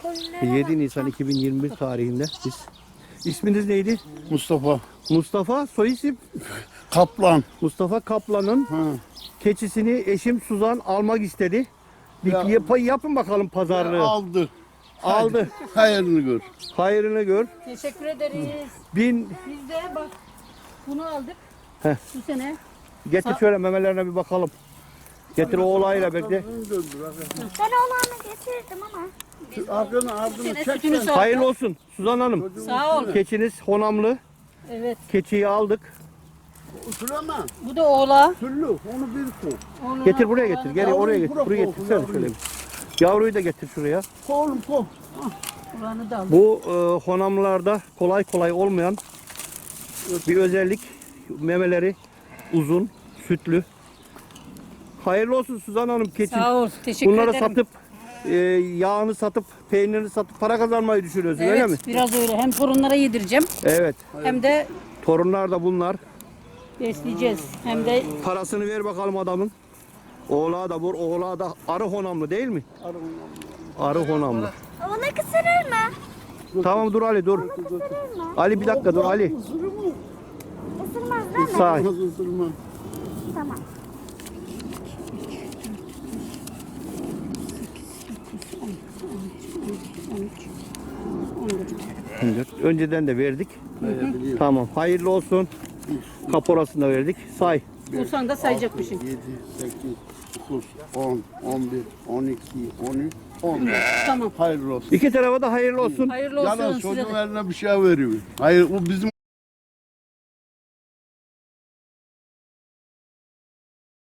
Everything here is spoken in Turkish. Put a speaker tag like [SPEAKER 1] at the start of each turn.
[SPEAKER 1] 7 Nisan 2021 tarihinde biz. İsminiz neydi?
[SPEAKER 2] Mustafa
[SPEAKER 1] Mustafa, soy isim?
[SPEAKER 2] Kaplan.
[SPEAKER 1] Mustafa Kaplan'ın
[SPEAKER 2] Ha.
[SPEAKER 1] keçisini eşim Suzan almak istedi.
[SPEAKER 2] Ya-
[SPEAKER 1] Yapın bakalım pazarlığı.
[SPEAKER 2] Aldı.
[SPEAKER 1] Aldı.
[SPEAKER 2] Hayırını gör.
[SPEAKER 1] Hayrını gör.
[SPEAKER 3] Teşekkür ederiz.
[SPEAKER 1] Bin
[SPEAKER 3] Biz de bak bunu aldık.
[SPEAKER 1] Heh.
[SPEAKER 3] Bu sene.
[SPEAKER 1] getir şöyle memelerine bir bakalım. Getir oğlayla bekle.
[SPEAKER 4] Ben oğlanı getirdim ama.
[SPEAKER 2] Ardını
[SPEAKER 3] Sene
[SPEAKER 2] çek.
[SPEAKER 3] sütünü sağ.
[SPEAKER 1] Hayırlı olsun Suzan Hanım.
[SPEAKER 3] Sağ ol.
[SPEAKER 1] Keçiniz honamlı.
[SPEAKER 3] Evet.
[SPEAKER 1] Keçiyi aldık.
[SPEAKER 2] Süleyman.
[SPEAKER 3] Bu da oğla.
[SPEAKER 2] Süllü. Onu bir koy.
[SPEAKER 3] Oğluna-
[SPEAKER 1] Getir buraya getir. Gel
[SPEAKER 2] Yavruyu
[SPEAKER 1] oraya getir.
[SPEAKER 2] bırak
[SPEAKER 1] Buraya
[SPEAKER 2] olsun,
[SPEAKER 1] getirsene
[SPEAKER 2] yavruyu.
[SPEAKER 1] şöyle. Yavruyu da getir şuraya.
[SPEAKER 2] Koy oğlum koy.
[SPEAKER 3] Oğlanı da aldık.
[SPEAKER 1] Bu honamlarda kolay kolay olmayan bir özellik. Memeleri uzun, sütlü. Hayırlı olsun Suzan Hanım keçi.
[SPEAKER 3] Sağ ol. Teşekkür
[SPEAKER 1] Bunları
[SPEAKER 3] ederim.
[SPEAKER 1] satıp yağını satıp peynirini satıp para kazanmayı düşünüyorsun öyle mi?
[SPEAKER 3] Evet, biraz öyle. Hem torunlara yedireceğim
[SPEAKER 1] Evet.
[SPEAKER 3] hem de
[SPEAKER 1] Torunlar da bunlar.
[SPEAKER 3] besleyeceğiz. Hem de
[SPEAKER 1] Parasını ver bakalım adamın. Oğlağı da vur. Oğlağı da arı honamlı değil mi? Arı honamlı.
[SPEAKER 4] Ona kısırır mı?
[SPEAKER 1] Tamam dur Ali dur. Ali bir dakika dur Ali.
[SPEAKER 4] Isırmaz değil mi?
[SPEAKER 1] Sağ.
[SPEAKER 2] Isırma.
[SPEAKER 4] Tamam.
[SPEAKER 1] Önceden de verdik. Tamam. Hayırlı olsun. Kaporasını da verdik. Say.
[SPEAKER 3] bulsan da sayacakmışsın.
[SPEAKER 2] 7, 8, 9, 10, 11, 12, 13, 14.
[SPEAKER 3] Tamam.
[SPEAKER 2] Hayırlı olsun.
[SPEAKER 1] İki tarafa da hayırlı olsun.
[SPEAKER 3] Hayırlı olsun
[SPEAKER 2] Yalnız
[SPEAKER 3] size
[SPEAKER 2] çocuğun
[SPEAKER 3] de.
[SPEAKER 2] eline bir şey veriyor. Hayır, bu bizim